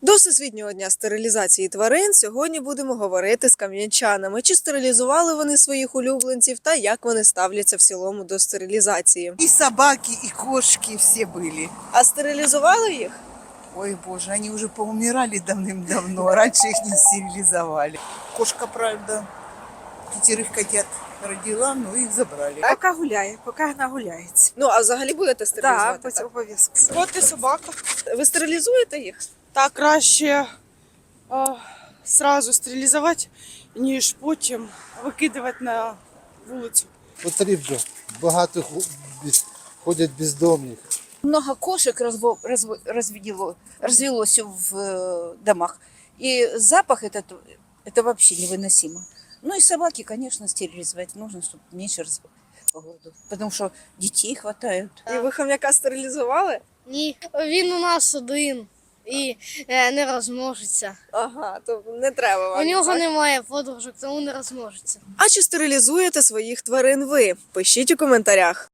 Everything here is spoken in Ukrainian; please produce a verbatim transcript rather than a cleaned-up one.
До Всесвітнього дня стерилізації тварин сьогодні будемо говорити з кам'янчанами, чи стерилізували вони своїх улюбленців та як вони ставляться в цілому до стерилізації. И собаки, и кошки все были. А стерилізували їх? Ой, боже, они уже поумирали давным-давно. Раньше их не стерилизовали. Кошка, правда, пятерых котят родила, но их забрали. Поки гуляє, поки нагуляється. Ну, а взагалі будете стерилізувати? Так, так? обов'язково. Кот і собака. Ви стерилізуєте їх? Так краще а, сразу стерилізувати, ніж потім викидувати на вулицю. Потрібно. Багато ху- без- ходять бездомних. Много кошек разво, разво- развело, развелось в э, домах. И запах этот, это вообще невыносимо. Ну и собаки, конечно, стерилизовать нужно, чтобы меньше раз по городу. Потому что детей хватает. І ви хом'яка стерилізували? Ні, він у нас один і е, не розмножиться. Ага, то не треба вам. У нього так? немає подружок, тому не розмножиться. А чи стерилізуєте своїх тварин ви? Пишіть у коментарях.